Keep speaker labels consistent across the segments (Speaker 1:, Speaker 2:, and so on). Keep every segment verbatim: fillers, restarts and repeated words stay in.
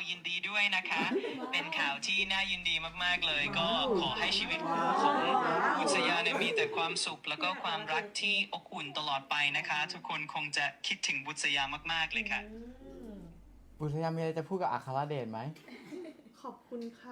Speaker 1: ยินดีด้วยนะคะ เป็นข่าวที่น่ายินดีมากๆเลย ก็ขอให้ชีวิตคู่ของบุษยาเนี่ยมีแต่ความสุขแล้วก็ความรักที่อบอุ่นตลอดไปนะคะ ทุกคนคงจะคิดถึงบุษยามากๆเลยค่ะ
Speaker 2: บุษยามีอะไรจะพูดกับอัครเดชไหม
Speaker 3: ขอบคุณค่ะ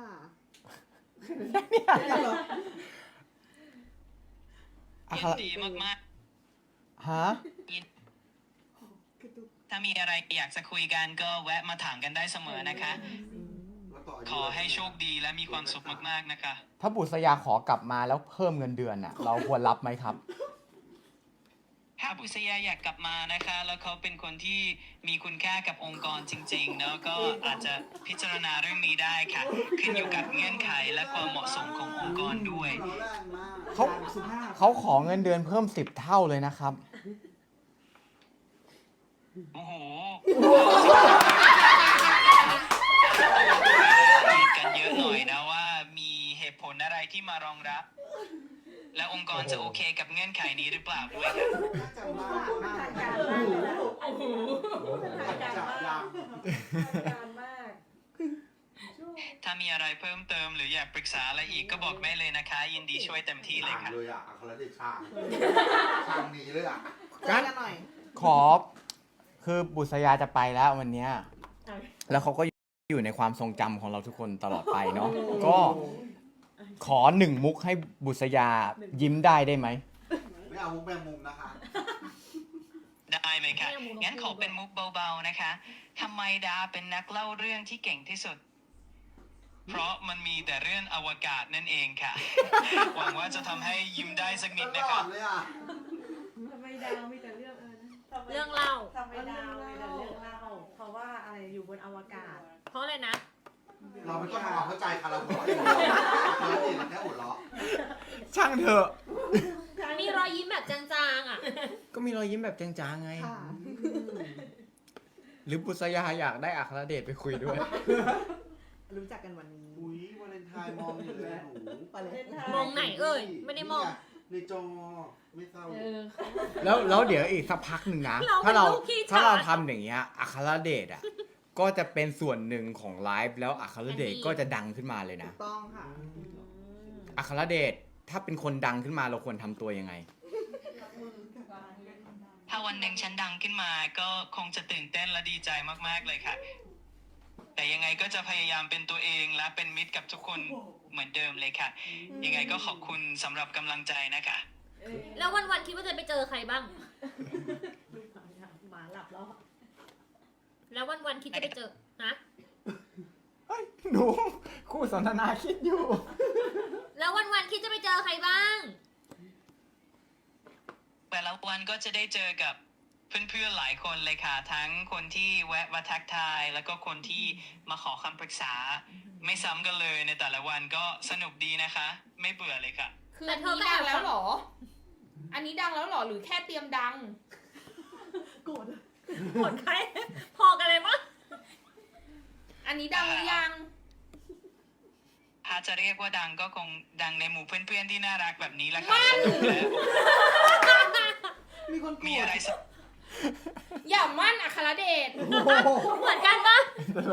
Speaker 2: อั
Speaker 1: ยิ
Speaker 2: คน ร
Speaker 1: ดีมาก
Speaker 2: ฮะ
Speaker 1: ๆ ถ้ามีอะไรอยากจะคุยกันก็แวะมาถามกันได้เสมอนะคะ ขอให้โชคดีและมีความสุขมากๆนะคะ
Speaker 2: ถ้าบุษยาขอกลับมาแล้วเพิ่มเงินเดือนอ่ะ เราควรรับไหมครับ
Speaker 1: ถ้าบุษยาอยากกลับมานะคะ แล้วเขาเป็นคนที่มีคุณค่ากับองค์กรจริงๆเนาะก็อาจจะพิจารณาเรื่องนี้ได้ค่ะ ขึ้นอยู่กับเงื่อนไขและความเหมาะสมขององค์กรด้วย
Speaker 2: เขาเขาขอเงินเดือนเพิ่มสิบเท่าเลยนะครับ
Speaker 1: โอ้โหคิดกันเยอะหน่อยนะว่ามีเหตุผลอะไรที่มารองรับ และองค์กรจะโอเคกับเงื่อนไขนี้หรือเปล่าด้วยค่ะ ถ้ามีอะไรเพิ่มเติมหรืออยากปรึกษาอะไรอีกก็บอกได้เลยนะคะ ยินดีช่วยเต็มที่เลยค่ะ
Speaker 4: เลยอ่ะอัครเดชช่างช่างหนีเลยอ่ะ
Speaker 2: งั้นขอคือบุษยาจะไปแล้ววันเนี้ยแล้วเขาก็อยู่ในความทรงจำของเราทุกคนตลอดไปเนาะก็ขอหนึ่งมุกให้บุษยายิ้มได้ได้ไหม
Speaker 4: ไม่เอามุกแมงมุมนะคะ
Speaker 1: ได้ไหมคะ งั้นขอเป็นมุกเบาๆนะคะทำไมดาเป็นนักเล่าเรื่องที่เก่งที่สุด เพราะมันมีแต่เรื่องอวกาศนั่นเองค่ะ หวังว่าจะทำให้ยิ้มได้สักนิด
Speaker 4: ต
Speaker 1: นะ
Speaker 4: ล
Speaker 1: ค
Speaker 4: อ
Speaker 1: รั
Speaker 4: ด
Speaker 1: บ
Speaker 4: เลยอ่ะ
Speaker 3: ทำไมดาวมีแต่เรื่องเออนะ
Speaker 5: เรื่องเล่า
Speaker 3: ทำไมดาวมีแต่เรื่องเล่า เพราะว่าอะไรอยู่บนอวกาศ
Speaker 5: เพราะอะไรนะ
Speaker 4: เราไม่ต้องทำความเข้าใจค่ะเราหัวเราะอย่างเดียวอัครเดชแค่หัวเราะ
Speaker 2: ช่างเถอะ
Speaker 5: มีรอยยิ้มแบบจางๆอ่ะ
Speaker 2: ก็มีรอยยิ้มแบบจางๆไง
Speaker 3: ค่ะ
Speaker 2: หรือบุษยาอยากได้อัครเดชไปคุยด้วย
Speaker 3: รู้จักกันวันนี้
Speaker 4: อุ้ยวาเลนไทน์มองอยู่เลยหนู
Speaker 3: วาเลนไทน์
Speaker 5: มองไหนเอ่ย ไม่ได้มอง
Speaker 4: ในจอไม่เศร้า
Speaker 3: เออ
Speaker 2: แล้วแล้วเดี๋ยวอีกสักพักหนึ่งนะ
Speaker 5: เรา
Speaker 2: ถ้าเรา
Speaker 5: เป็นลูกขี้ฉลาด
Speaker 2: ถ้าเราทำอย่างเงี้ยอัครเดชอ่ะ ก็จะเป็นส่วนหนึ่งของไลฟ์แล้วอัครเดชก็จะดังขึ้นมาเลยนะ
Speaker 3: ต้องค่ะ
Speaker 2: อัครเดชถ้าเป็นคนดังขึ้นมาเราควรทำตัวยังไง
Speaker 1: ถ้าวันหนึ่งฉันดังขึ้นมาก็คงจะตื่นเต้นและดีใจมากๆเลยค่ะ แต่ยังไงก็จะพยายามเป็นตัวเองและเป็นมิตรกับทุกคนเหมือนเดิมเลยค่ะ ยังไงก็ขอบคุณสำหรับกำลังใจนะคะ
Speaker 5: แล้ววันๆคิดว่าจะไปเจอใครบ้าง
Speaker 3: หมาหลับแล้ว
Speaker 5: แล้ววันๆคิดจะไปเจอฮะ
Speaker 2: เฮ้ย หนู คู่สนทนาคิดอยู่
Speaker 5: แล้ววันๆคิดจะไปเจอใครบ้าง
Speaker 1: แต่ละวันก็จะได้เจอกับเพื่อนๆหลายคนเลยค่ะ ทั้งคนที่แวะมาทักทาย แล้วก็คนที่มาขอคำปรึกษา ไม่ซ้ำกันเลยในแต่ละวันก็สนุกดีนะคะ ไม่เบื่อเลยค่ะ
Speaker 6: คือ
Speaker 5: แต่
Speaker 6: อัน
Speaker 5: เธอ
Speaker 6: นี้
Speaker 5: ก็แอ
Speaker 6: ดั
Speaker 5: บ
Speaker 6: งแล้วเหรอ อันนี้ดังแล้วเหรอ หรือแค่เตรียมดัง
Speaker 3: โกรธ
Speaker 5: ผลใคร พอกันเลยมั้ง
Speaker 6: อันนี้ดังหรือยัง
Speaker 1: ถ้าจะเรียกว่าดังก็คงดังในหมู่เพื่อนๆที่น่ารักแบบนี้แหละค่ะสนุกและ
Speaker 3: มีคนโกร
Speaker 1: มี
Speaker 3: ธ
Speaker 1: อะไรส
Speaker 6: อย่ามั่นอัครเดช
Speaker 5: เหมือนกันปะ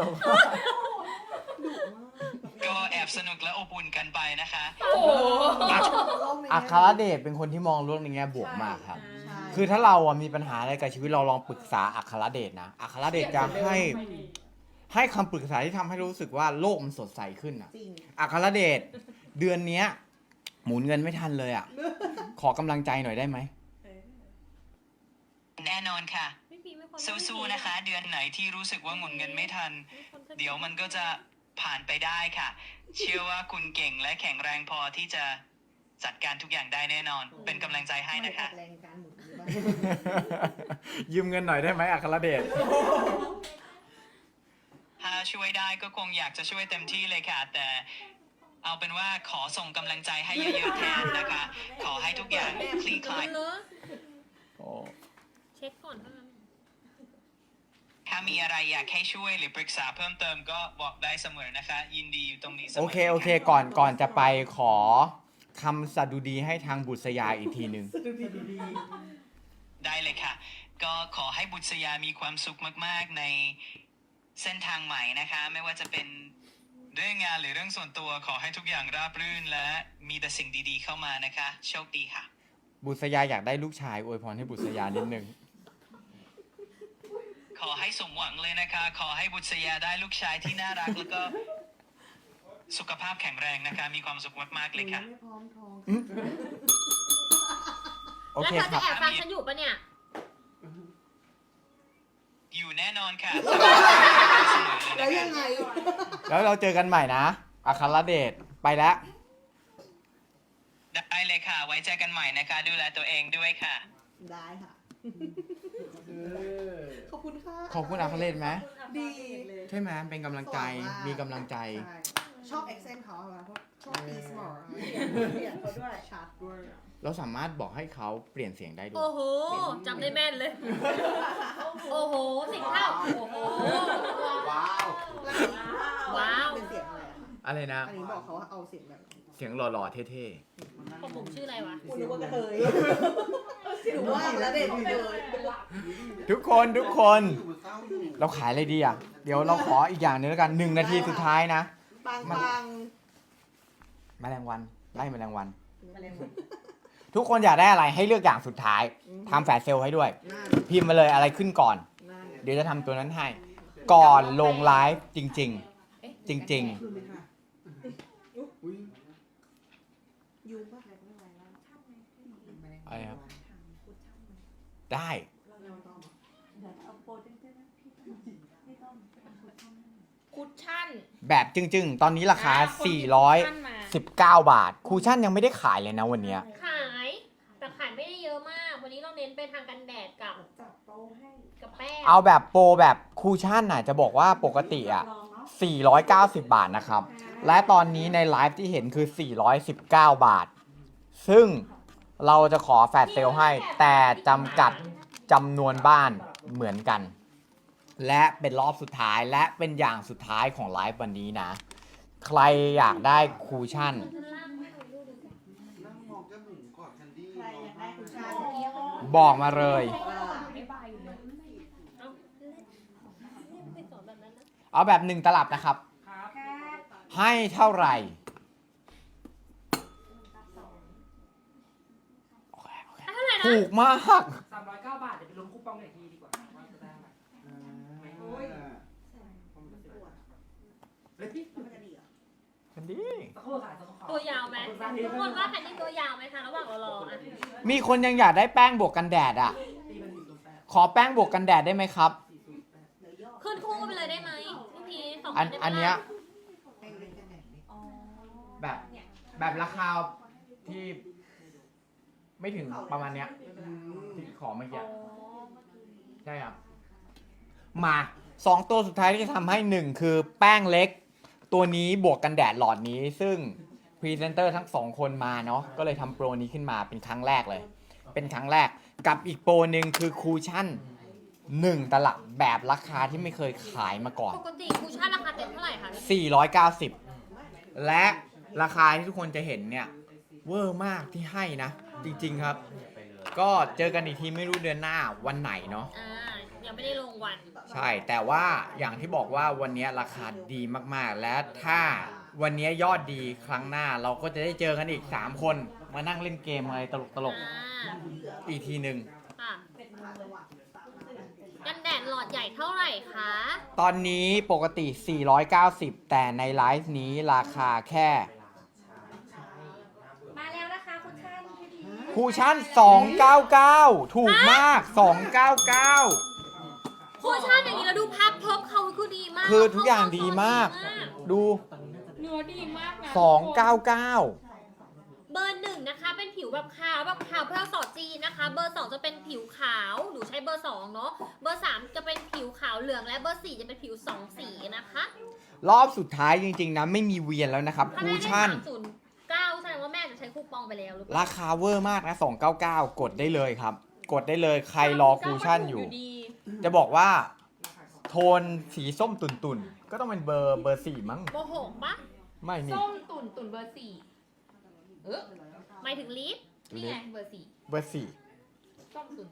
Speaker 1: ก็แอบสนุกและอบอุ่นกันไปนะคะ
Speaker 6: โอ้โห
Speaker 2: อัครเดชเป็นคนที่มองโลกในแง่บวกมากครับ
Speaker 3: ใช่
Speaker 2: คือถ้าเราอะมีปัญหาอะไรกับชีวิตเราลองปรึกษาอัครเดชนะ อัครเดชจะให้ให้คำปรึกษาที่ทำให้รู้สึกว่าโลกมันสดใสขึ้นอะ
Speaker 3: จริง
Speaker 2: อัครเดชเดือนเนี้ย หมุนเงินไม่ทันเลยอะขอกำลังใจหน่อยได้ไหม
Speaker 1: แน่นอนค่ะ
Speaker 5: ไม่มีไม่คน
Speaker 1: สู้ๆนะคะ เดือนไหนที่รู้สึกว่าหมุนเงินไม่ทัน เดี๋ยวมันก็จะผ่านไปได้ค่ะ เชื่อว่าคุณเก่งและแข็งแรงพอที่จะจัดการทุกอย่างได้แน่นอน เป็นกำลังใจให้นะคะ
Speaker 3: แรงการหมุนหรือว่า
Speaker 2: ยืมเงินหน่อยได้ไหมอัครเดช
Speaker 1: ถ้าช่วยได้ก็คงอยากจะช่วยเต็มที่เลยค่ะ แต่เอาเป็นว่าขอส่งกำลังใจให้เยอะๆแทนนะคะ ขอให้ทุกอย่างคลี่คลาย
Speaker 5: เลอะ
Speaker 2: โอ้
Speaker 5: เช็คก่อนเท่านั้น
Speaker 1: ถ้ามีอะไรอยากให้ช่วยหรือปรึกษาเพิ่มเติมก็บอกได้เสมอนะคะ ยินดีอยู่ตรงนี้เสมอ
Speaker 2: โอเคโอเค ก่อนก่อนจะไปขอคำสดุดีให้ทางบุษยาอีกทีหนึ่ง
Speaker 1: ได้เลยค่ะ ก็ขอให้บุษยามีความสุขมากๆในเส้นทางใหม่นะคะ ไม่ว่าจะเป็นเรื่องงานหรือเรื่องส่วนตัวขอให้ทุกอย่างราบรื่นและมีแต่สิ่งดีๆเข้ามานะคะ โชคดีค่ะ
Speaker 2: บุษยาอยากได้ลูกชายอวยพรให้บุษยานิดนึง
Speaker 1: ขอให้สมหวังเลยนะคะ ขอให้บุษยาได้ลูกชายที่น่ารัก แล้วก็สุขภาพแข็งแรงนะคะ มีความสุขมากๆเลยค่ะ
Speaker 3: ไม่พร้อมท้อง
Speaker 2: โอ
Speaker 5: แล้ว
Speaker 2: เค
Speaker 5: เธอ
Speaker 2: ค
Speaker 5: จะ
Speaker 2: รับ
Speaker 5: แอบฟังฉันอยู่ปะเนี่ย
Speaker 1: อยู่แน่นอนค่ะ
Speaker 3: แล้วยังไง
Speaker 2: แล้วเราเจอกันใหม่นะอัครเดชไปแล้ว
Speaker 1: ได้เลยค่ะ ไว้เจอกันใหม่นะคะ ดูแลตัวเองด้วยค่ะ
Speaker 3: ได้ค่ะ ขอบคุณค่ะ
Speaker 2: ขอบคุณอัครเดชไหม
Speaker 3: ดีเลย
Speaker 2: ใช่ไหมเป็นกำลังใจ
Speaker 3: สวยมาก
Speaker 2: มีกำลังใจ
Speaker 3: ใช่ชอบเอ็กเซนต์เขาอะเพราะชอบปีสมอลเปลี่ยนเขาด้วยชัดด้วย
Speaker 2: เราสามารถบอกให้เขาเปลี่ยนเสียงได้ด้วย
Speaker 5: โอ้โหจำได้แม่นเลย โอ้โหสิบเท่าโอ้โห
Speaker 4: ว้าว
Speaker 5: ว้าว
Speaker 3: เป็นเสียงอะไรอะคะ
Speaker 2: อะไรนะ
Speaker 3: อันนี้บอกเขาว่าเอาเสียงแบบไหน
Speaker 2: เสียงหล่อๆ เท่
Speaker 5: ของผมชื่ออะไรวะ
Speaker 3: คุณรู้ว่ากระเทยถือว่าแล้วเด็กเลย
Speaker 2: ๆ ทุกคนทุกคน
Speaker 4: เศร้าอยู่
Speaker 2: เราขายอะไรดีอ่ะ เดี๋ยวเราขออีกอย่างหนึงแล้วกันหนึ่งนาทีสุดท้ายนะ
Speaker 3: ปังปัง
Speaker 2: แมลงวันไล่แมลงวัน
Speaker 3: มาเลย
Speaker 2: ทุกคนอยากได้อะไรให้เลือกอย่างสุดท้ายทำแฟลชเซลล์ให้ด้วย
Speaker 3: หน้า
Speaker 2: พิมพ์มาเลยอะไรขึ้นก่อน
Speaker 3: หน้า
Speaker 2: เดี๋ยวจะทำตัวนั้นให้ ก่อนลงไลฟ์จริง ๆ จริง
Speaker 3: คืนเลยค่ะ
Speaker 4: อุ้ย
Speaker 3: ยูป่ะ
Speaker 2: ๆ อะไรครับ ได้
Speaker 6: คุชชั่น
Speaker 2: แบบจึงๆ ตอนนี้ราคา
Speaker 6: อ่ะคนหยิบ
Speaker 2: สี่ร้อย
Speaker 6: คุชชั่นมา
Speaker 2: สิบเก้า บาท คูชั่นยังไม่ได้ขายเลยนะวันเนี้ย
Speaker 5: ขาย แต่ขายไม่ได้เยอะมาก วันนี้เราเน้นไปทางกันแดดกับ
Speaker 3: จับโต๊ะให้
Speaker 5: กับแป้ง
Speaker 2: เอาแบบโปรแบบคูชั่นน่ะจะบอกว่าปกติอ่ะ สี่ร้อยเก้าสิบ บาทนะครับ และตอนนี้ในไลฟ์ที่เห็นคือ สี่ร้อยสิบเก้า บาท ซึ่งเราจะขอแฟลชเซลล์ให้ แต่จำกัดจำนวนบ้านเหมือนกัน และเป็นรอบสุดท้ายและเป็นอย่างสุดท้ายของไลฟ์วันนี้นะ ใครอยากได้คูชั่น
Speaker 4: นั่งมองเจ้าหนูกอดแคนดี้
Speaker 3: ใครอยากได้คุชชั่น
Speaker 2: บอกมาเลย
Speaker 6: ไม่บายอยู่เลย
Speaker 5: ไปสอนแบบนั้นนะ
Speaker 2: เอาแบบหนึ่งตลับนะครับ ให้เท่าไหร่โอเคโอเค
Speaker 5: อ่ะเท่าไหร่นะ
Speaker 2: ถูกมาก
Speaker 7: สามร้อยเก้าบาท เดี๋ยวไปลงคูปองหน่อยทีดีกว่าว่าจะได้อะไรเฮ้ย
Speaker 2: กันดี
Speaker 7: สักครู่ค่ะสักครู่
Speaker 5: ตัวยาวไหมทุกคนว่าแผ่นนี้ตัวยาวไหมคะระหว่างเรารออ่ะ
Speaker 2: มีคนยังอยากได้แป้งบวกกันแดดอ่ะ
Speaker 7: ตีมันสี่ศูนย์แปด
Speaker 2: ขอแป้งบวกกันแดดได้ไหมครับ
Speaker 7: สี่ศูนย์แปด
Speaker 5: ขึ้นคู่ไปเลยได้ไหมพี่พีสอง
Speaker 2: อัน
Speaker 5: ได้ไหม
Speaker 2: อันเนี้ย
Speaker 3: ให้เล่นกันไหนดิ
Speaker 2: แบบแบบราคาที่ไม่ถึงประมาณเนี้ยที่ขอเมื่อกี้ใช่ครับ มาสองตัวสุดท้ายที่จะทำให้หนึ่งคือแป้งเล็ก ตัวนี้บวกกันแดดหลอดนี้ ซึ่งพรีเซนเตอร์ทั้งสองคนมาเนาะก็เลยทำโปรนี้ขึ้นมาเป็นครั้งแรกเลย เป็นครั้งแรกกับอีกโปรหนึ่งคือคูชั่นหนึ่งตลับแบบราคาที่ไม่เคยขายมาก่อน
Speaker 5: ปกติคูชั่นราคาเต็มเท่าไหร่คะ
Speaker 2: สี่ร้อยเก้าสิบ และราคาที่ทุกคนจะเห็นเนี่ยเวอร์มากที่ให้นะ จริงๆครับ ก็เจอกันอีกทีไม่รู้เดือนหน้าวันไหนเนาะ
Speaker 5: อ่ายังไม่ได้ลงวัน
Speaker 2: ใช่ แต่ว่าอย่างที่บอกว่าวันนี้ราคาดีมากๆ และถ้าวันนี้ยอดดีครั้งหน้าเราก็จะได้เจอกันอีก สาม คนมานั่งเล่นเกมอะไรตลก
Speaker 5: อ่า
Speaker 2: ๆ อีกทีหนึ่ง
Speaker 5: ค่ะกันแดดหลอดใหญ่เท่าไหร่คะ
Speaker 2: ตอนนี้ปกติ สี่ร้อยเก้าสิบ แต่ในไลฟ์นี้ราคาแค่
Speaker 5: มาแล้วนะคะคุณท่านพี่พี
Speaker 2: คูชั่น สองร้อยเก้าสิบเก้า ถูกมาก สองร้อยเก้าสิบเก้า
Speaker 5: คูชั่นอย่างนี้เราดูภาพพบเขาคือดีมาก
Speaker 2: คือทุกอย่างดีมาก ดู
Speaker 6: เนื้อดีมากนะ
Speaker 2: สองร้อยเก้าสิบเก้า
Speaker 5: เบอร์หนึ่งนะคะ เป็นผิวแบบขาวแบบขาวเพื่อสอดจีนนะคะ เบอร์สองจะเป็นผิวขาวหนูใช้เบอร์สองเนาะเบอร์สามจะเป็นผิวขาวเหลืองและเบอร์สี่จะเป็นผิวสองสีนะคะ
Speaker 2: รอบสุดท้ายจริงๆนะไม่มีเวียนแล้วนะครับ
Speaker 5: ถ้า
Speaker 2: คู
Speaker 5: แม่ได้
Speaker 2: ชั่น
Speaker 5: สามศูนย์เก้าแสดงว่าแม่จะใช้คูปองไปแล้วหรือเปล่า
Speaker 2: ราคาเวอร์มากนะ สองร้อยเก้าสิบเก้า กดได้เลยครับ กดได้เลยใครรอคูชั่นอยู่
Speaker 6: ดี
Speaker 2: จะบอกว่า โทนสีส้มตุ่นๆ ก็ต้องเป็นเบอร์เบอร์สี่มั้ง
Speaker 5: โมโหปะ
Speaker 2: ไม่นี่
Speaker 6: ส้มตุ่นตุ่นเบอร์สี่เออ
Speaker 5: หมายถึงลิฟ
Speaker 6: นี่ไงเบอร์สี่
Speaker 2: เบอร์สี่
Speaker 6: ส้มตุ่นตุ่น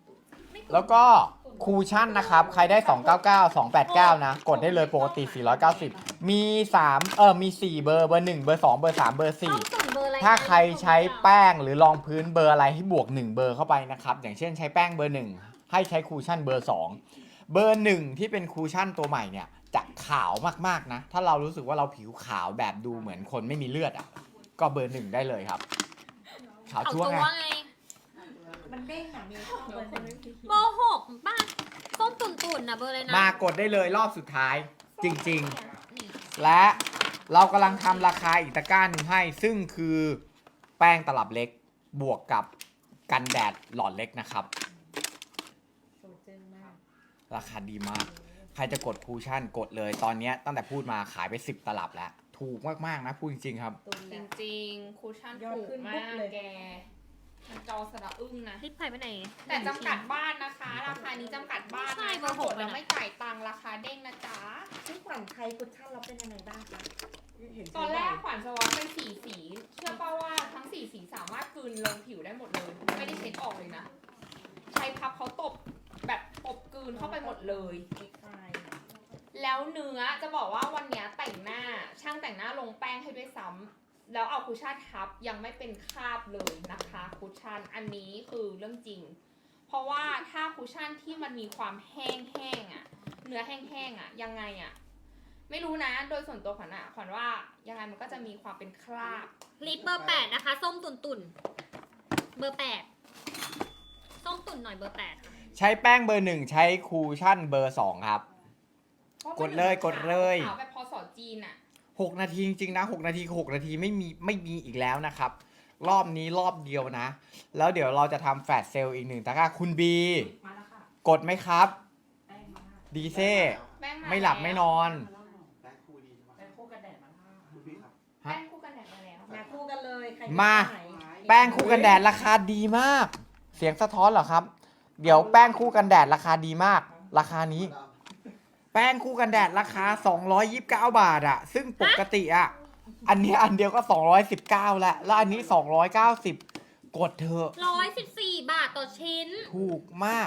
Speaker 2: แล้วก็คูชั่นนะครับ ใครได้ สองเก้าเก้า สองแปดเก้า นะ กดได้เลยปกติ สี่ร้อยเก้าสิบ มี3เออมีสี่เบอร์เบอร์หนึ่งเบอร์สองเบอร์สามเบอร์สี่
Speaker 5: ต้องส่งเบอร์อะไร
Speaker 2: ถ้าใครใช้แป้งหรือรองพื้นเบอร์อะไรให้บวกหนึ่งเบอร์เข้าไปนะครับ อย่างเช่นใช้แป้งเบอร์หนึ่งให้ใช้คูชั่นเบอร์สองเบอร์หนึ่งที่เป็นคูชั่นตัวใหม่เนี่ยจะขาวมากๆนะ ถ้าเรารู้สึกว่าเราผิวขาวแบบดูเหมือนคนไม่มีเลือดอ่ะก็เบอร์หนึ่งได้เลยครับ ขาว
Speaker 5: เขา
Speaker 2: ชั่ว
Speaker 5: ตัว
Speaker 2: ไง
Speaker 5: ไง
Speaker 3: มันเด้งหนังมีช่องเบอร์หนึ่ง
Speaker 5: เบอร์หกป้าส้มตุ่นๆนะเบอร์อะไรนะ
Speaker 2: มากดได้เลยรอบสุดท้ายจริงๆ และเรากำลังทำราคาอีกตะกร้าหนึ่งให้ ซึ่งคือแป้งตลับเล็กบวกกับกันแดดหลอดเล็กนะครับ
Speaker 3: โซเจนมาก
Speaker 2: ราคาดีมาก ใครจะกดคูชั่นกดเลยตอนนี้ตั้งแต่พูดมาขายไปสิบตลับแล้ว ถูกมากๆนะพูดจริงๆครับ
Speaker 3: ตุน
Speaker 6: จ
Speaker 3: แล้ว
Speaker 6: ริงๆ คูชั่น
Speaker 3: ยอด
Speaker 6: ถูก
Speaker 3: ขึ้น
Speaker 6: มา
Speaker 3: ปุ๊บ
Speaker 6: ก
Speaker 3: เลย
Speaker 6: แกมันจอสระอึ้งนะ
Speaker 5: รีบไปไปไหน
Speaker 6: แต่จำกัดบ้านนะคะ ราคานี้จำกัดบ้าน
Speaker 5: ใช่
Speaker 6: นะ
Speaker 5: เบอร์หก
Speaker 6: ถ้ากดแล้ว
Speaker 5: เลยนะ
Speaker 6: ไม่จ่ายตังค์ราคาเด้งนะจ๊ะ
Speaker 3: ที่ขวัญไทยคุชชั่นเราเป็นยังไงบ้างคะเห็น
Speaker 6: ตอนแรกขวัญสวอปเป็นสีสี เชื่อป่าว่าทั้งสีสีสามารถกลืนลงผิวได้หมดเลย ไม่ได้เช็ดออกเลยนะ ใช้พับเขาตบแบบตบกลืนเข้าไปหมดเลย
Speaker 3: ใช่
Speaker 6: แล้วเนื้อจะบอกว่าวันเนี้ยแต่งหน้าช่างแต่งหน้าลงแป้งให้ด้วยซ้ำแล้วเอาคุชชั่นทับยังไม่เป็นคราบเลยนะคะคุชชั่นอันนี้คือเรื่องจริง เพราะว่าถ้าคุชชั่นที่มันมีความแห้งๆอ่ะ เนื้อแห้งๆอ่ะยังไงอ่ะไม่รู้นะโดยส่วนตัวขวัญอ่ะขวัญว่ายังไงมันก็จะมีความเป็นคราบ
Speaker 5: ลิปเบอร์แปดนะคะ ส้มตุ่นตุ่นๆเบอร์แปดส้มตุ่นหน่อยเบอร์แปดค่ะ
Speaker 2: ใช้แป้งเบอร์หนึ่งใช้คูชั่นเบอร์สองครับ
Speaker 6: พราะ
Speaker 2: กดเลยกดเลย
Speaker 6: ขาวแบบพอสอจีนอ่ะ
Speaker 2: หกนาทีจริงๆนะหกนาทีคือหกนาทีไม่มีไม่มีอีกแล้วนะครับ รอบนี้รอบเดียวนะ แล้วเดี๋ยวเราจะทำแฟลชเซลล์อีกหนึ่งตะกร้าคุณบี
Speaker 7: มาแล้วค่ะ
Speaker 2: กดไหมครับ
Speaker 7: แป้งมาแล้ว
Speaker 2: ดีเซ่
Speaker 6: แป้งา
Speaker 2: ไม่หลับไม่นอน
Speaker 4: แป้งคู่ดีใช่ไหม
Speaker 7: แป้งคู่กันแดดมาแล้ว
Speaker 4: คุณพี่ครับ
Speaker 6: แป้งคู่กันแดดมาแล้ว
Speaker 3: มาคู่กันเลยใคร
Speaker 2: มา
Speaker 3: ไหน
Speaker 2: แป้งคู่กันแดดราคาดีมาก เสียงสะท้อนเหรอครับ เดี๋ยวแป้งคู่กันแดดราคาดีมาก ราคานี้ แป้งคู่กันแดดราคาสองร้อยยี่สิบเก้าบาทอะซึ่งปกติอะอันนี้อันเดียวก็สองร้อยสิบเก้าแล้วแล้วอันนี้สองร้อยเก้าสิบกดเถอะ
Speaker 5: ร้อยสิบสี่บาทต่อชิ้น
Speaker 2: ถูกมาก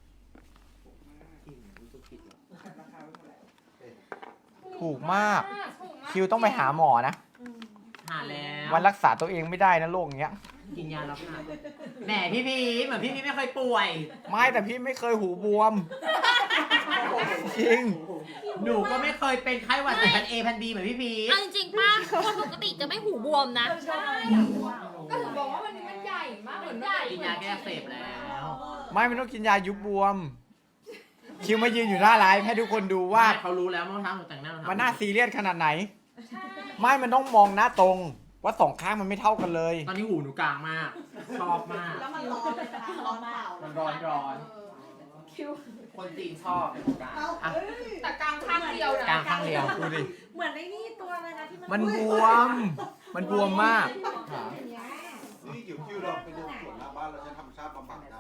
Speaker 2: ถูกมาก
Speaker 6: ถูกมาก
Speaker 2: คิวต้องไปหาหมอนะ
Speaker 8: หาแล้ว
Speaker 2: วันรักษาตัวเองไม่ได้นะโรคอย่างเงี้ย
Speaker 8: กินยาแล้วค่ะแหมพี่พีชเหมือนพี่พีชไม่เคยป่วย
Speaker 2: ไม่แต่พี่ไม่เคยหูบวม จริง
Speaker 8: หนูก็ไม่เคยเป็นไข้หวัดสายพันเอพันบีเหมือนพี่พีช
Speaker 5: เอาจริงๆป้าคนปกติจะไม่หูบวมนะ
Speaker 6: ใช่ก็ถึงบอกว่าวันนี้มันใหญ่มากเหมือนใหญ่
Speaker 8: กินยาแก้อักเสบแล้ว
Speaker 2: ไม่มันต้องกินยายุบบวม คิวมายืนอยู่หน้าไลฟ์ให้ทุกคนดูว่า
Speaker 8: เขารู้แล้วเมื่อเช้าหนูแต่งหน้า
Speaker 2: มันน่าซีเรียสขนาดไหน
Speaker 6: ใช่
Speaker 2: ไม่มันต้องมองหน้าตรง ว่าสองข้างมันไม่เท่ากันเลย
Speaker 8: ตอนนี้หูหนูกลางมาก ชอบมาก
Speaker 3: แล้วมันร้อนเลยนะร้อนเปล่า
Speaker 8: มันร้อนร้อน
Speaker 6: คิว
Speaker 8: คนจีนชอบในหูกลาง
Speaker 3: เอา
Speaker 2: อ่ะ
Speaker 3: เอ้ย
Speaker 6: แต่กลางข้างเดียวนะ
Speaker 2: กลางข้างเดียวดูดิ
Speaker 3: เหมือนไอ้นี่ตัวอะไรนะที่มัน
Speaker 2: มันบวม มันบวมมาก
Speaker 4: นี่อยู่คิวเราไปเดินสวนหน้าบ้านเราใช้ธรรมชาติบำบัดได้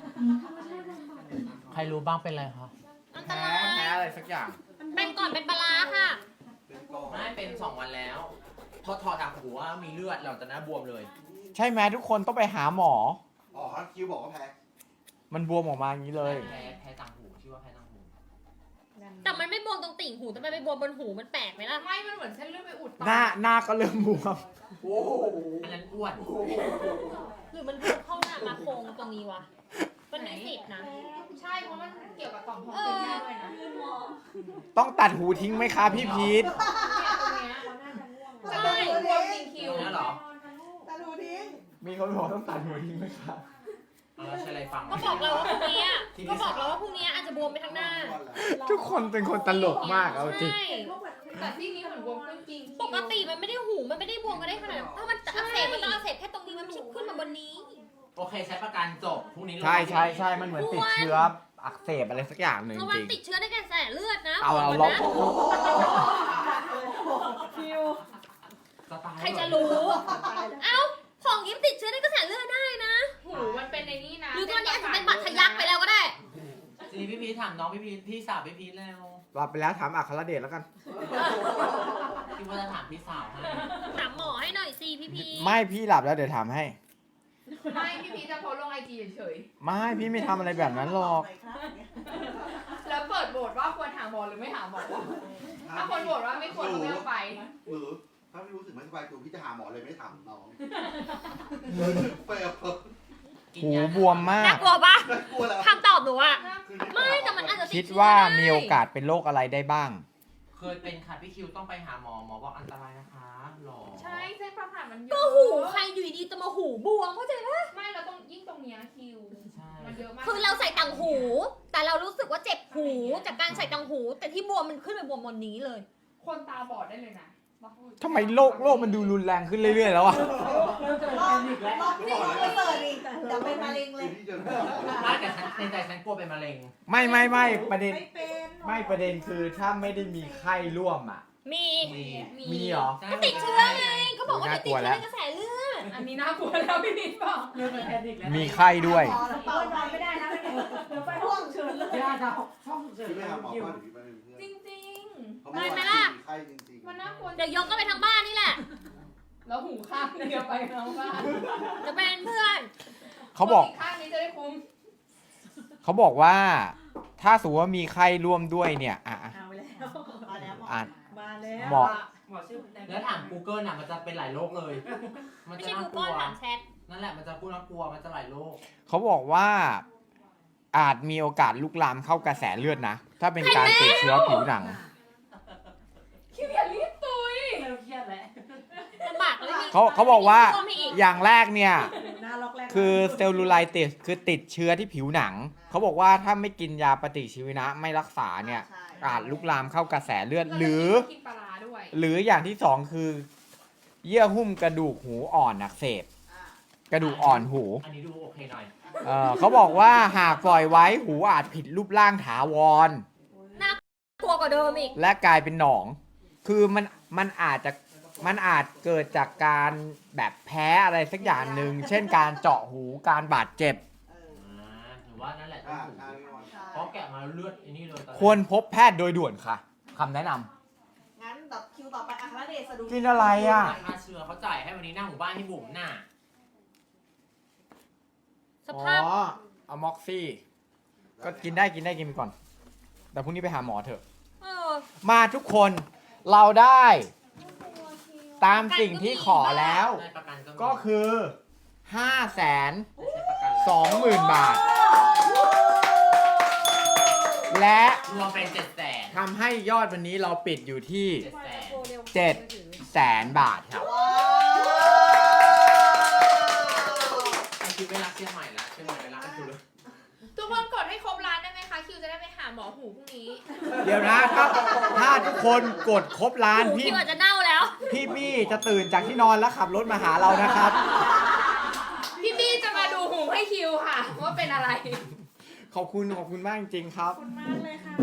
Speaker 8: ใครรู้บ้างเป็นไรคะ
Speaker 5: อันต
Speaker 2: แพ้
Speaker 5: ราย
Speaker 2: แพ้อะไรสักอย่าง
Speaker 5: เป็นก่อนเป็นปลาร้าค่ะ
Speaker 4: เป็นก่อน
Speaker 8: ไม่เป็นสองวันแล้ว พอถอดจากหัวมีเลือดหลังจากนั้นบวมเลย
Speaker 2: ใช่ไหมทุกคนต้องไปหาหมอ
Speaker 4: อ๋อคิวบอกว่าแพ้
Speaker 2: มันบวมออกมาอย่างนี้เลย
Speaker 8: แพ้แพ้ต่างหูชื่อว่าแพ้ต่างหู
Speaker 5: แต่มันไม่บวมตรงติ่งหูแต่มันไปบวมบนหูมันแปลกไหมล่ะ
Speaker 6: ไม่ มันเหมือนเส้นเลือดไปอุดตัน
Speaker 2: หน้าหน้าก็เริ่มบวม
Speaker 4: โอ้โห
Speaker 8: อันนั้นอ้วน
Speaker 5: หรือมันบวมเข้าหน้ามาโครงตรงนี้วะมันมีสิทธิ์นะ
Speaker 6: ใช่ เพราะมันเกี่ยวกับต่อมทองเป็นแม่ด้วยนะเนี่ย
Speaker 2: ต้องตัดหูทิ้งไหมคะพี่พีท
Speaker 6: ตรงเนี้ย
Speaker 3: ใช่
Speaker 6: ใช่บวมจริงคิว
Speaker 8: เนี่ยเหรอ
Speaker 3: ตาดูทิ้ง
Speaker 2: มีคนบอกต้องตัดหูทิ้งไหมคะ
Speaker 8: เอาแล้วใช้อะไรฟัง
Speaker 5: ก็บอกเราว่าพรุ่งนี้อะก็บอกเราว่าพรุ่งนี้อาจจะบวมไปทั้งหน้า
Speaker 2: ทุกคนเป็นคนตลกมากเอาจริง
Speaker 5: ใช่
Speaker 6: แต่ที่นี้เหมือนบวมขึ้นจริงคิว
Speaker 5: ปกติมันไม่ได้หูมันไม่ได้บวมกันได้ขนาดนั้นถ้ามันอักเสบมันต้องอักเสบแค่ตรงนี้มันไม่ใช่ขึ้นมาบนนี้
Speaker 8: โอเคใช้ประกันจบพรุ่งนี้
Speaker 2: ใช่ใช่ใช่มันเหมือนติดเชื้ออักเสบอะไรสักอย่างหนึ่ง
Speaker 5: ระ
Speaker 2: จ
Speaker 5: วัง
Speaker 2: ริง
Speaker 5: ติดเชื้อในกระแสเลือดนะ
Speaker 2: เอาเอา
Speaker 5: บ
Speaker 2: ล
Speaker 5: อก
Speaker 2: อง
Speaker 5: ก่อนนะ
Speaker 3: คิว
Speaker 8: สไตล์
Speaker 5: ใครจะรู้ เอ้า ของยิ้มติดเชื้อในกระแสเลือดได้นะ
Speaker 6: หูมันเป็นในนี่นะ
Speaker 5: หรือตอนนี้อาจจะเป็นบัตรทะยักไปแล้วก็ได้
Speaker 8: ทีนี้พี่พีชถามน้องพี่พีชพี่สาวพี่พีชแล้ว
Speaker 2: รับไปแล้วถามอัครเดชแล้วกัน
Speaker 8: พี่ว่าจะถามพี่สาวให้
Speaker 5: ถามหมอให้หน่อยสิพี่พี
Speaker 2: ไม่พี่หลับแล้วเดี๋ยวถามให้
Speaker 6: ไม่พี่พีจะโพสต์ลงไอจีเฉย
Speaker 2: ไม่พี่ไม่ทำอะไรแบบนั้นหรอก
Speaker 6: ๆแล้วเปิดโหวตว่าควรหาหมอหรือไม่หาหมอถ้าคนโหวตว่าไม่ควรก็ไม่ต้องไป
Speaker 4: หรือถ้าไม่รู้สึกไม่สบายตัวพี่จะหาหมอเลยไม่ถามน้องเปิดเปิด
Speaker 2: หูบวมมา
Speaker 5: น่าก กลัวปะ
Speaker 4: กลัวแล้ว
Speaker 5: คำตอบหนูอะไม่แต่มันอาจจะติ
Speaker 2: คิด
Speaker 5: เชื้อ
Speaker 2: ว่า
Speaker 5: ไ
Speaker 2: มีโอกาสเป็นโรคอะไรได้บ้าง
Speaker 8: เคยเป็นค่ะพี่คิวต้องไปหาหมอหมอบอกอันตรายนะคะหรอ
Speaker 6: ใช่เส้นประสาทมันเยอะ
Speaker 5: ก็หูใครอยู่ดีๆจะมาหูบวมเข้าใจปะ
Speaker 6: ไม่เราต้องยิ่งตรงเนี้ยคิว
Speaker 8: ใช่
Speaker 6: มันเยอะมาก
Speaker 5: คือเราใส่ต่างหู แต่เรารู้สึกว่าเจ็บหูจากการใส่ต่างหู แต่ที่บวมมันขึ้นไปบวมบนนี้เลย
Speaker 6: คนตาบอดได้เลยนะ
Speaker 2: ทำไมโรคโรคมันดูรุนแรงขึ้นเรื่อยๆแล้วอะ
Speaker 3: รอบรอบที่เราไปเสิร์ชอีกเดี๋ยวเป็นมะเร็งเลย
Speaker 4: ที่เดิน
Speaker 8: ไม่แต่ฉันในใจฉันกลัวเป็นมะเร็ง
Speaker 2: ไม่ไม่ไม่ประเด็น
Speaker 3: ไม่เป็น
Speaker 2: ไม่ประเด็นคือถ้าไม่ได้มีไข้ร่วมอ่ะ
Speaker 5: มี
Speaker 8: มี
Speaker 2: มีเหรอ
Speaker 5: ก็ติดเชื้อไงเขาบอกว่า
Speaker 2: น่า
Speaker 5: ติ
Speaker 2: ก
Speaker 5: ด
Speaker 2: ลัว
Speaker 5: เชื้
Speaker 2: แล้
Speaker 5: อ
Speaker 2: ว
Speaker 5: ในกระแสเลือด
Speaker 6: อันนี้น่ากลัวแล้วพี่นิดบอก
Speaker 7: เริ่มเป็นแพนิคแล้ว
Speaker 2: มีไข้ด้วย
Speaker 3: พอแล้วเปิดนอนไม่ได้นะเดี๋ยวไปห้องเชิญเลย
Speaker 7: ย่าจะห้องฉุกเฉิน
Speaker 4: พี่ไม่
Speaker 7: แล้ว
Speaker 4: หาหมอ
Speaker 7: คิว
Speaker 4: บ้านหรือพี่ไปเป็นเพื่อน
Speaker 6: จริง
Speaker 4: เพราะเมื่อวานพี่มีไข้จริง
Speaker 6: ๆ มันน่ากลัว
Speaker 5: เดี๋ยวยกก็ไปทั้งบ้านนี่แหละ
Speaker 6: แล้วหูข้างเดียวไปแล้วบ้าน
Speaker 5: จะเป็นเพื่อน
Speaker 2: เขาบอก
Speaker 6: ข้างนี้จะได้คุ้ม
Speaker 2: เขาบอกว่า ถ้าสมมติว่ามีไข้ร่วมด้วยเนี่ยอ่ะอ่ะ
Speaker 3: เอาไปแล้วมาแล้ว
Speaker 2: อ่ะ
Speaker 3: มาแล้ว
Speaker 2: หมอ
Speaker 7: หมอชื่อ
Speaker 8: แล้วถาม Google น่ะมันจะเป็นหลายโรคเลย มัน
Speaker 5: ไม่
Speaker 8: จะ
Speaker 5: ใช่
Speaker 8: น่า
Speaker 5: กู
Speaker 8: กลั
Speaker 5: ก้อน
Speaker 8: ว
Speaker 5: ถามแชท
Speaker 8: นั่นแหละมันจะพูดน่ากลัวมันจะหลายโรค
Speaker 2: เขาบอกว่าอาจมีโอกาสลุกลามเข้ากระแสเลือดนะ ถ้าเป็นการติดเชื้อผิวหนัง
Speaker 6: คิวอย่ารีบตุย
Speaker 7: เริ่มเครียดแล้ว
Speaker 5: ลำบากเลยมี
Speaker 2: เขาเขาบอกว่า
Speaker 5: ก็ไม่อีก
Speaker 2: อย่างแรกเนี่ย
Speaker 3: หน้าล็อกแรก
Speaker 2: คือเซลลูไลติสคือติดเชื้อที่ผิวหนัง เขาบอกว่าถ้าไม่กินยาปฏิชีวนะไม่รักษาเนี่ย
Speaker 3: ใช่
Speaker 2: อาจลุกลามเข้ากระแสเลือดหรือ
Speaker 6: กินปลาร้าด้วย
Speaker 2: หรืออย่างที่สองคือ เยื่อหุ้มกระดูกหูอ่อนอักเสบ
Speaker 3: อ่ะ
Speaker 2: กระดูกอ่อนหู
Speaker 8: อันนี้ดูโอเคหน่อย
Speaker 2: เออเขาบอกว่าหากปล่อยไว้หูอาจผิดรูปร่างถาวร
Speaker 5: กลัวกว่าเดิมอีก
Speaker 2: และกลายเป็นหนอง คือมันมันอาจจะมันอาจเกิดจากการแบบแพ้อะไรสักอย่างหนึ่ง เช่นการเจาะหูการบาดเจ็บ
Speaker 3: เออ
Speaker 8: อ่าหรือว่านั่นแหละ
Speaker 4: ๆ
Speaker 8: ต้อ
Speaker 4: อ่าง
Speaker 8: หู
Speaker 4: ใช่พี่บอล
Speaker 3: ใช่
Speaker 8: เพราะแกะมาเลือดไอ้นี่เลยตอนแรก
Speaker 2: ควรพบแพทย์โดยด่วนค่ะคำแนะนำ
Speaker 3: งั้นต่อคิวต่อไปอัครเดชสะดุด
Speaker 2: กินอะไรอ่ะ
Speaker 8: ค่าเชื้อเขาจ่ายให้วันนี้หน้าหมู่บ้านให้บุ๋มน่ะ
Speaker 5: สภาพ
Speaker 2: อ๋ออะม็อกซี่ ก็กินได้กินได้กินไปก่อน แต่พรุ่งนี้ไปหาหมอเถอะ
Speaker 5: เออ
Speaker 2: มาทุกคนเราได้ตามสิ่งที่ขอแล้ว
Speaker 8: ได้ประกันก็มี
Speaker 2: ก็คือห้าแสน
Speaker 8: ได้ใช้ประกัน
Speaker 2: สองหมื่นบาท และ
Speaker 8: รวมเป็นเจ็ดแสน
Speaker 2: ทำให้ยอดวันนี้เราปิดอยู่ที่
Speaker 8: เจ็ดแสน
Speaker 2: เจ็ดแสนบาทครับ
Speaker 3: ว้าว
Speaker 8: ไอคิวไม่รักเชียงใหม่ละเชียงใหม่ไม่รักไอคิวเลย
Speaker 6: ทุกคนกดให้ครบล้านได้ไหมคะ คิวจะได้ไปหาหมอหูพรุ่งนี้
Speaker 2: เดี๋ยวนะถ้าถ้าทุกคนกดครบล้าน
Speaker 5: หู
Speaker 2: พี่
Speaker 5: คิวอาจจะเน่าแล้ว
Speaker 2: พี่บี้จะตื่นจากที่นอนแล้วขับรถมาหาเรานะครับ
Speaker 6: พี่บี้จะมาดูหูให้คิวค่ะ ว่าเป็นอะไร
Speaker 2: ขอบคุณขอบคุณมากจริงๆครับ
Speaker 3: ขอบคุณมากเลยค่ะ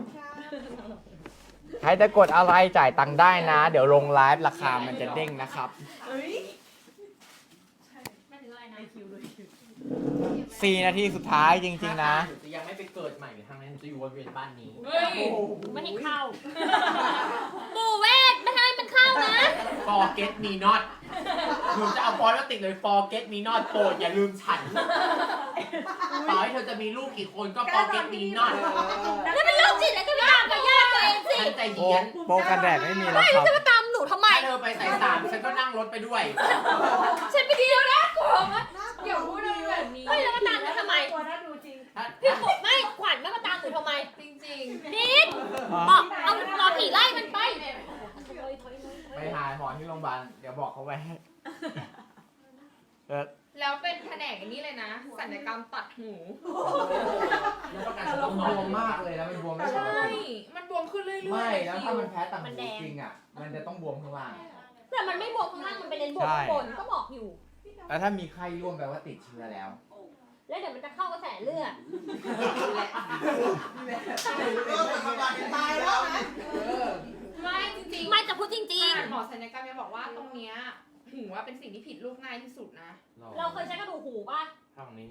Speaker 2: ใครจะกดอะไรจ่ายตังค์ได้นะ เดี๋ยวลงไลฟ์ราคามันจะเด้งนะครับ
Speaker 3: เอ้ย
Speaker 5: ไม่ถึงอะไรนะ
Speaker 3: คิวเลยคิว
Speaker 2: สี่นาทีสุดท้ายจริงๆนะ
Speaker 8: หนูจะยังไม่ไปเกิดใหม่หรือทางนั้นหนูจะอยู่วนเวียนบ้านนี้
Speaker 6: เฮ้ย
Speaker 5: ไม่ให้เข้าบูเวทไม่ให้มันเข้านะ
Speaker 8: forget me not หนูจะเอาฟอนต์มาติดเลย forget me not โปรดอย่าลืมฉัน ต่อให้เธอจะมีลูกกี่คนก็ forget me not
Speaker 5: แล้วเป็นโรคจิตแล้วก็ไปตามกับญาติตัวเองสิ
Speaker 8: ฉันใจ
Speaker 2: โป
Speaker 8: เย็น
Speaker 2: โปรกันแดดไม่มีแล้วครับ
Speaker 5: จะมาตามหนูทำไม
Speaker 8: ถ้าเธอไปสายสามฉันก็นั่งรถไปด้วย
Speaker 5: ฉันไปดีแล้วนะกลัวมาก
Speaker 6: อย่าพูดอะไรแบบนี้
Speaker 5: ไม่แล้วมาตามหนูทำไม
Speaker 3: ตัวน่าดูจริง
Speaker 8: ถ้า
Speaker 5: พี่ขวไม่ขวัญไม่มาตามหนูทำไม
Speaker 6: จริง
Speaker 5: นิดบอกเอารอผีไล่มันไป
Speaker 2: ไปหาหมอที่โรงพยาบาล เดี๋ยวบอกเขาไว้ให้เออ
Speaker 6: ๆ แล้วเป็นแผนกอันนี้เลยนะ ศัลยกรรมตัดหู
Speaker 8: แล้วประกันฉัน
Speaker 2: บ
Speaker 8: ต้องนอ
Speaker 2: วน มมากเลยแล้วมันบวมไม่ปก
Speaker 6: ใช่
Speaker 2: ติ
Speaker 6: มันบวมขึ้นเรื่อยๆ
Speaker 2: ไม่แล้วถ้ามัน
Speaker 6: คิว
Speaker 2: แพ้ต่างหูจริงอ่ะ มันจะต้องบวมข้างล่าง
Speaker 5: แต่มันไม่บวมข้างล่างมันไปเลนบวมข้างบนก็บอกอยู่
Speaker 2: แล้วถ้ามีไข้ร่วมแปลว่าติดเชื้อแล้ว
Speaker 5: แล้วเดี๋ยวมันจะเข้ากระแสเลือด
Speaker 3: ตายแล้วนะ
Speaker 6: ไม่จริงๆ
Speaker 5: ไม่จะพูดจริง
Speaker 6: หมอศัลยกรรมยังบอกว่าตรงเนี้ยหูว่าเป็นสิ่งที่ผิดลูกง่ายที่สุดนะ
Speaker 5: ๆ เราเคยใช้กระดูกหูป่ะ
Speaker 8: ทางนี้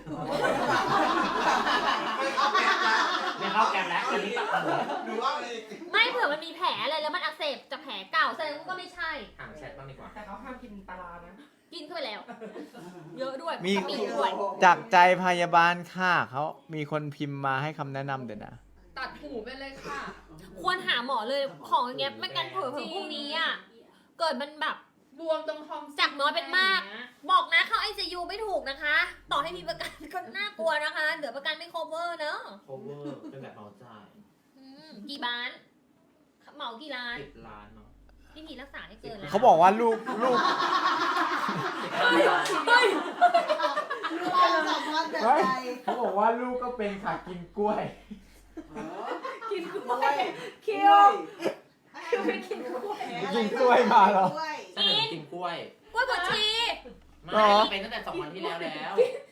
Speaker 4: ไม่เข้าแกมแล้ว
Speaker 8: ไม่เข้าแกมแล้วอันนี้ตัดหู
Speaker 4: หรือว่าอะไร
Speaker 5: ไม่เผื่อมันมีแผลอะไรแล้วมันอักเสบจากแผลเก่าแสดงว่าก็ไม่ใช่
Speaker 8: ห่างแชทบ้างดีกว่า
Speaker 7: แต่เขาห้ามกินปลาร้านะ
Speaker 5: กินเข้าไปแล้ว เยอะด้วย
Speaker 2: มี
Speaker 5: กะปิด้วย
Speaker 2: จากใจพยาบาลค่ะเขามีคนพิมพ์มาให้คำแนะนำเดี๋ยวนะ
Speaker 6: ตัดหูไปเลยค่ะ
Speaker 5: ควรหาหมอเลยของอย่างเงี้ยไม่งั้นเผลอๆพรุ่งนี้อ่ะเกิดมันแบบ
Speaker 6: บวมตรงทอม
Speaker 5: จากน้อยเป็นมาก บอกนะเข้าไอซียูไม่ถูกนะคะ ต่อให้มีประกันก็น่ากลัวนะคะเดี๋ยวประกันไม่ cover เนอะ
Speaker 8: cover เป็นแบบเหมาจ่าย
Speaker 5: อืมกี่บ้านเหมากี่ล้าน
Speaker 8: สิบล้านเนาะ
Speaker 5: พี่พีรักษาให้เกินแล้ว
Speaker 2: เขาบอกว่าลูกลูก
Speaker 5: เฮ้ยเฮ้ย
Speaker 3: ความสัมพันธ์แบบใด
Speaker 2: เขาบอกว่าลูกก็เป็นค่ะกินกล้วย
Speaker 7: กินกล้วยคิวคิวไปกินกล้วย
Speaker 2: กินกล้วยมาเหรอ
Speaker 3: กล้วย
Speaker 8: ใช่หนูกินกล้วย
Speaker 5: กล้วยบดชี
Speaker 8: ไม่เป็นตั้งแต่สองวันที่แล้วแล้ว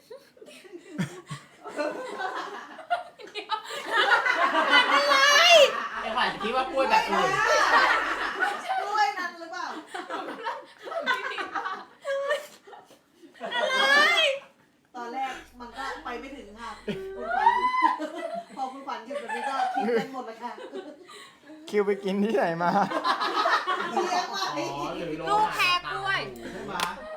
Speaker 5: อะไร
Speaker 8: ไอ้ขวัญจะคิดว่ากล้วยแบบอื่น
Speaker 3: กล้วยนั้นหรือเปล่า
Speaker 5: อะไร
Speaker 3: ตอนแรกมันก็ไปไม่ถึงค่ะคุณขวัญพอคุณขวัญหยุดแบบนี้ก็คิดกันหมดแล้วค่ะ
Speaker 2: คิวไปกินที่ไหนมา
Speaker 3: เลี้ยงไว้
Speaker 8: อ๋อหรือโล
Speaker 5: ลูก
Speaker 8: หะ
Speaker 5: แพ้กล้วย
Speaker 4: ใช่ไหม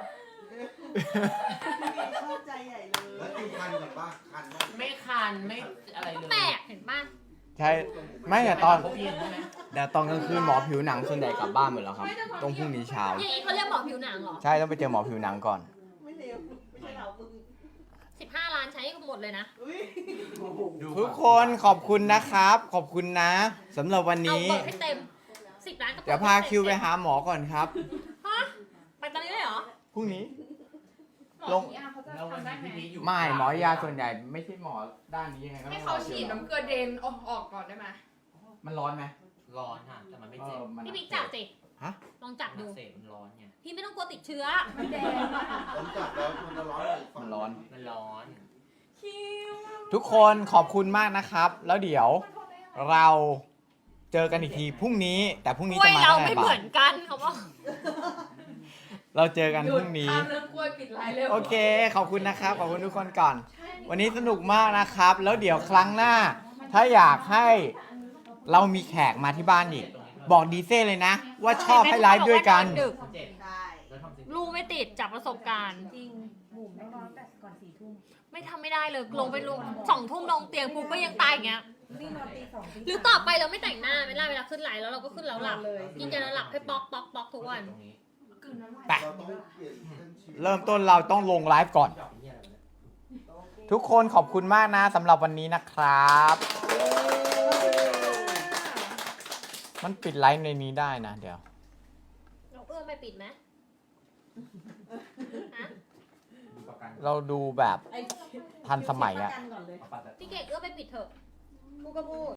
Speaker 3: ชอบใจใหญ่เลย
Speaker 4: แล้วคิวคันกับป้าคันบ้าง
Speaker 8: ไม่คันไม่อะไรเลย
Speaker 5: แปลกเห็นป่ะ
Speaker 2: ใช่ไม่แต่ตอน
Speaker 8: พบเย็นใช่ไหม
Speaker 2: แต่ตอนกลางคืนหมอผิวหนังส่วนใหญ่กลับบ้านหมดแล้วครับตรงพรุ่งนี้เช้า
Speaker 5: อย่างนี้เขาเรียกหมอผิวหนังเหรอ
Speaker 2: ใช่ต้องไปเจอหมอผิวหนังก่อน
Speaker 3: ไม่เร็วไม่ใช่เรามึง
Speaker 5: สิบห้าล้านใช้หมดเลยนะ
Speaker 3: อุ้ย
Speaker 2: ทุกคนขอบคุณนะครับ ขอบคุณนะสำหรับวัน
Speaker 5: เอา
Speaker 2: นี้
Speaker 5: เปิดให้เต็มสิบล้านก็ปิ
Speaker 2: เดี๋ยวพาคิวไปหาหมอก่อนครับ
Speaker 5: ฮะไปตอนนี้เลยเหรอ
Speaker 2: พรุ่งนี้
Speaker 6: หมอ
Speaker 2: ลง
Speaker 6: ที่อาเขาจะ
Speaker 8: แล้ววัน
Speaker 6: ทำได้
Speaker 8: นี้
Speaker 6: ไหม
Speaker 8: พี่พีชอยู่
Speaker 2: ไม่หมอยาส่วนใหญ่ไม่ใช่หมอด้านนี้ยังไงก็ต้
Speaker 6: ให้
Speaker 2: องร
Speaker 6: เขา
Speaker 2: อ
Speaker 6: ฉีดน้ำเกลือเดนออกออกก่อนได้ไหม
Speaker 2: มันร้อนไหม
Speaker 8: ร้อนค่ะแต่มันไม่
Speaker 2: เอ
Speaker 8: เจ็บ
Speaker 2: อมัน
Speaker 5: พี่บิ๊กจับสิ
Speaker 2: ฮะ
Speaker 5: ลองจับ
Speaker 8: มัน
Speaker 5: ดู
Speaker 8: อักเสบมันร้อนไง
Speaker 5: พี่ไม่ต้องกลัวติดเชื้อ
Speaker 7: มันแดงมาก
Speaker 4: ผมจับแล้วมันจะร้อนเลย
Speaker 2: มันร้อน
Speaker 8: มันร้อน
Speaker 7: คิว
Speaker 2: ทุกคนขอบคุณมากนะครับ แล้วเดี๋ยวเราเจอกันอีกทีพรุ่งนี้ แต่พรุ่ง
Speaker 5: ก
Speaker 2: นี้
Speaker 5: ล้วย
Speaker 2: จะมา
Speaker 5: เรา
Speaker 2: เท่าไห
Speaker 5: ไม่
Speaker 2: ร่
Speaker 5: เห
Speaker 2: บา
Speaker 5: มื
Speaker 2: ท
Speaker 5: อนกันเขาบอก
Speaker 2: เราเจอกัน
Speaker 6: หยุ
Speaker 2: พ
Speaker 6: ด
Speaker 2: รุ่งนี้
Speaker 6: ข้ามเรื่องกล้วยปิดไลน์เร็ว
Speaker 2: โอเค ขอบคุณนะครับ ขอบคุณทุกคนก่อน วันนี้สนุกมากนะครับ แล้วเดี๋ยวครั้งหน้า ถ้าอยากให้เรามีแขกมาที่บ้านอีก บอกดีเซ่เลยนะ ว่าชอบให้ไลฟ์ด้วยกัน
Speaker 5: ดึก
Speaker 8: เจ็บ
Speaker 3: ได้
Speaker 8: แล้วทำจริง
Speaker 5: ลูกไม่ติดจากประสบการณ์
Speaker 7: จริงบุ๋มต้องนอนแต่ก่อนสี่ทุ่ม
Speaker 5: ไม่ทำไม่ได้เลยลงไปลงสองทุ่มลงเตียงปุ๊บก็ยังตายอย่างเงี้ย
Speaker 7: นี่นอนตีสองตี
Speaker 5: หรือต่อไปเราไม่แต่งหน้าเวลาเวลาขึ้นไลน์แล้วเราก็ขึ้นแล้วหลับ
Speaker 7: เลย
Speaker 5: กินยาแล้วหลับให้ป๊อกป๊อกป๊อกทุกวัน
Speaker 8: ตรงนี้
Speaker 6: กลืนน้ำลาย
Speaker 2: ไป
Speaker 4: เราต้องเปลี่ยนเส้นชีวิต
Speaker 2: เริ่มต้นเราต้องลงไลฟ์ก่อน
Speaker 8: ดอกเหี้ยอะไรวะเนี่ย
Speaker 2: ทุกคนขอบคุณมากนะสำหรับวันนี้นะครับ มันปิดไลฟ์ในนี้ได้นะ เดี๋ยว
Speaker 5: เราเอื้อมไปปิดไหมฮะ
Speaker 8: ดูประกัน
Speaker 2: เราดูแบบ
Speaker 3: ไอ้
Speaker 2: ทันสมัยอะ
Speaker 3: ประกันก่อนเลย
Speaker 8: เอาปัดแบบ
Speaker 5: พี่เก่งเอื้อมไปปิดเถอะ
Speaker 3: กูก็พูด